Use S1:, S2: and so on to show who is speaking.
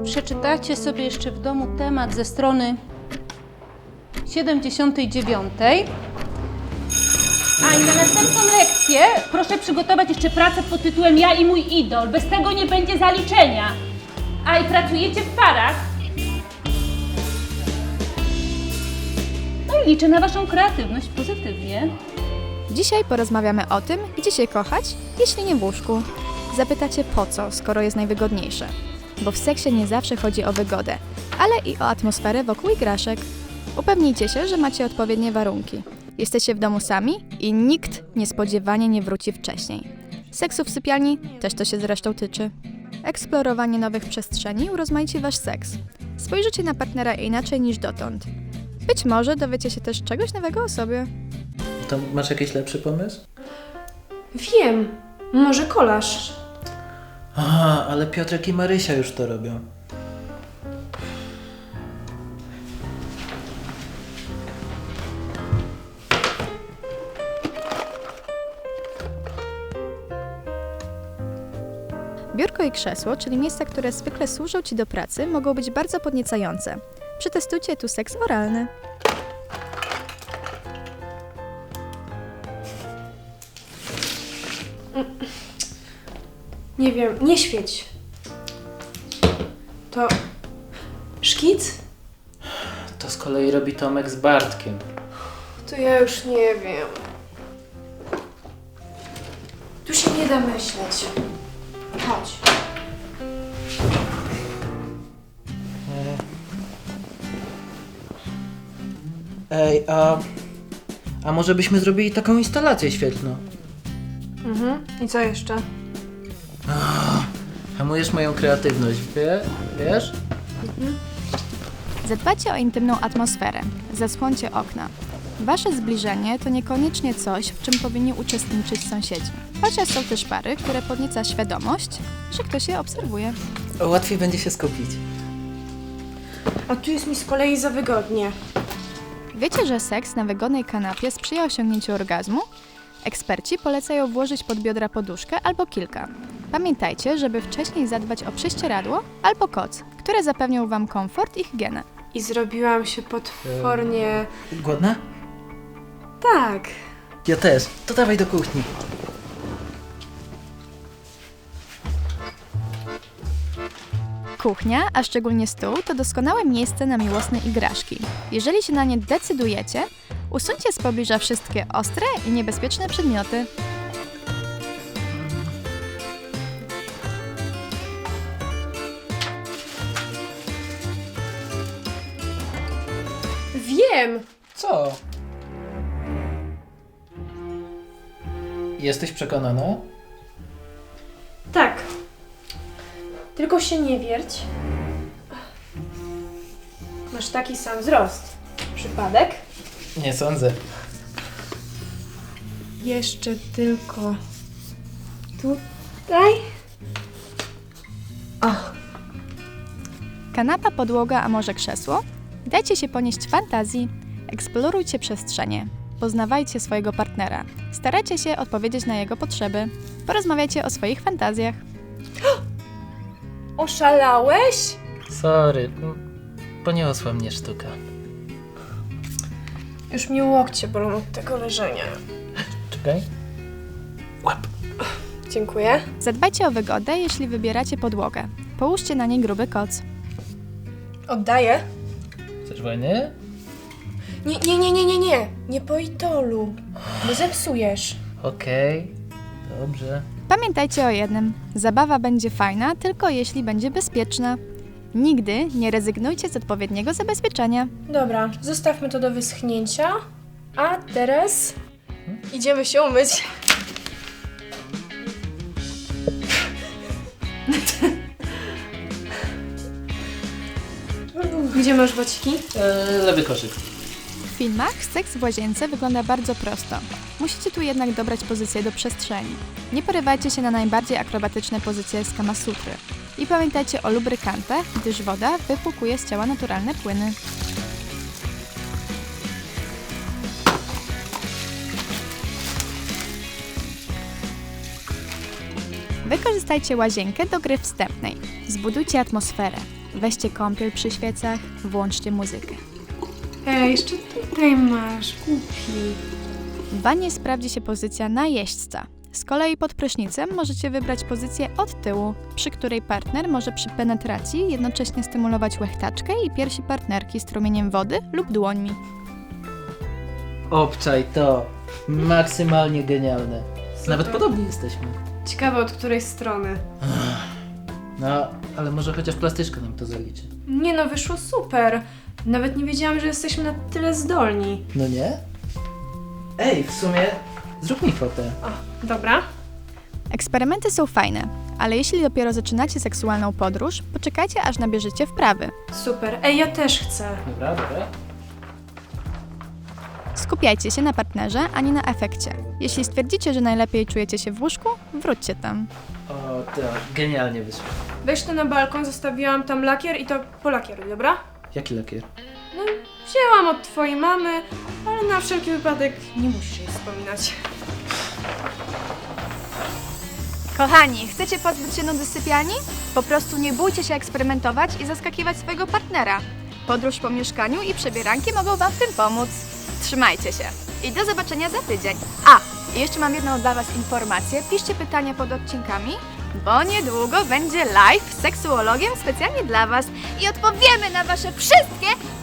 S1: przeczytacie sobie jeszcze w domu temat ze strony 79. A i na następną lekcję proszę przygotować jeszcze pracę pod tytułem Ja i mój idol. Bez tego nie będzie zaliczenia. A i pracujecie w parach. No i liczę na waszą kreatywność pozytywnie.
S2: Dzisiaj porozmawiamy o tym, gdzie się kochać, jeśli nie w łóżku. Zapytacie po co, skoro jest najwygodniejsze. Bo w seksie nie zawsze chodzi o wygodę, ale i o atmosferę wokół igraszek. Upewnijcie się, że macie odpowiednie warunki. Jesteście w domu sami i nikt niespodziewanie nie wróci wcześniej. Seksu w sypialni też to się zresztą tyczy. Eksplorowanie nowych przestrzeni urozmaici wasz seks. Spojrzycie na partnera inaczej niż dotąd. Być może dowiecie się też czegoś nowego o sobie.
S3: To masz jakiś lepszy pomysł?
S4: Wiem, może kolaż.
S3: Aha, ale Piotrek i Marysia już to robią.
S2: Biurko i krzesło, czyli miejsca, które zwykle służą Ci do pracy, mogą być bardzo podniecające. Przetestujcie tu seks oralny.
S4: Nie wiem, nie świeć. To szkic?
S3: To z kolei robi Tomek z Bartkiem.
S4: To ja już nie wiem. Tu się nie da myśleć. Chodź.
S3: Ej, a może byśmy zrobili taką instalację świetlną?
S4: I co jeszcze?
S3: Hamujesz moją kreatywność, wiesz?
S2: Zadbajcie o intymną atmosferę. Zasłońcie okna. Wasze zbliżenie to niekoniecznie coś, w czym powinni uczestniczyć sąsiedzi. Chociaż są też pary, które podnieca świadomość, że ktoś je obserwuje.
S3: Łatwiej będzie się skupić.
S4: A tu jest mi z kolei za wygodnie.
S2: Wiecie, że seks na wygodnej kanapie sprzyja osiągnięciu orgazmu? Eksperci polecają włożyć pod biodra poduszkę albo kilka. Pamiętajcie, żeby wcześniej zadbać o prześcieradło albo koc, które zapewnią Wam komfort i higienę.
S4: I zrobiłam się potwornie...
S3: Głodna?
S4: Tak.
S3: Ja też. To dawaj do kuchni.
S2: Kuchnia, a szczególnie stół, to doskonałe miejsce na miłosne igraszki. Jeżeli się na nie decydujecie, usuńcie z pobliża wszystkie ostre i niebezpieczne przedmioty.
S4: Wiem!
S3: Co? Jesteś przekonana?
S4: Tak. Tylko się nie wierć. Masz taki sam wzrost. Przypadek?
S3: Nie sądzę.
S4: Jeszcze tylko... tutaj?
S2: Kanapa, podłoga, a może krzesło? Dajcie się ponieść fantazji. Eksplorujcie przestrzenie. Poznawajcie swojego partnera. Starajcie się odpowiedzieć na jego potrzeby. Porozmawiajcie o swoich fantazjach.
S4: Oszalałeś?
S3: Sorry, poniosła mnie sztuka.
S4: Już mi łokcie bolą od tego leżenia.
S3: Czekaj. Łap.
S4: Dziękuję.
S2: Zadbajcie o wygodę, jeśli wybieracie podłogę. Połóżcie na niej gruby koc.
S4: Oddaję.
S3: Chcesz wojny?
S4: Nie. Nie po idolu. Bo zepsujesz.
S3: Okej. Dobrze.
S2: Pamiętajcie o jednym. Zabawa będzie fajna, tylko jeśli będzie bezpieczna. Nigdy nie rezygnujcie z odpowiedniego zabezpieczenia.
S4: Dobra, zostawmy to do wyschnięcia. A teraz idziemy się umyć. Gdzie masz bociki?
S3: Lewy koszyk.
S2: W filmach seks w łazience wygląda bardzo prosto. Musicie tu jednak dobrać pozycję do przestrzeni. Nie porywajcie się na najbardziej akrobatyczne pozycje z Kama Sutry. I pamiętajcie o lubrykantach, gdyż woda wypłukuje z ciała naturalne płyny. Wykorzystajcie łazienkę do gry wstępnej. Zbudujcie atmosferę. Weźcie kąpiel przy świecach, włączcie muzykę.
S4: Ej, jeszcze tutaj masz, głupi.
S2: W wannie sprawdzi się pozycja na jeźdźca. Z kolei pod prysznicem możecie wybrać pozycję od tyłu, przy której partner może przy penetracji jednocześnie stymulować łechtaczkę i piersi partnerki strumieniem wody lub dłońmi.
S3: Obczaj to. Maksymalnie genialne. Nawet podobni jesteśmy.
S4: Ciekawe od której strony.
S3: No, ale może chociaż plastyczka nam to zaliczy.
S4: Nie no, wyszło super. Nawet nie wiedziałam, że jesteśmy na tyle zdolni.
S3: No nie? Ej, w sumie zrób mi fotę.
S4: O, dobra.
S2: Eksperymenty są fajne, ale jeśli dopiero zaczynacie seksualną podróż, poczekajcie aż nabierzecie wprawy.
S4: Super. Ej, ja też chcę.
S3: Dobra, dobra.
S2: Skupiajcie się na partnerze, a nie na efekcie. Jeśli stwierdzicie, że najlepiej czujecie się w łóżku, wróćcie tam.
S3: O, to genialnie wyszło.
S4: Weź to na balkon, zostawiłam tam lakier i to polakieruj, dobra?
S3: Jaki lakier?
S4: No, wzięłam od twojej mamy, ale na wszelki wypadek nie musisz jej wspominać.
S2: Kochani, chcecie pozbyć się nudy sypialni? Po prostu nie bójcie się eksperymentować i zaskakiwać swojego partnera. Podróż po mieszkaniu i przebieranki mogą Wam w tym pomóc. Trzymajcie się i do zobaczenia za tydzień. A, i jeszcze mam jedną dla Was informację. Piszcie pytania pod odcinkami, bo niedługo będzie live z seksuologiem specjalnie dla Was i odpowiemy na Wasze wszystkie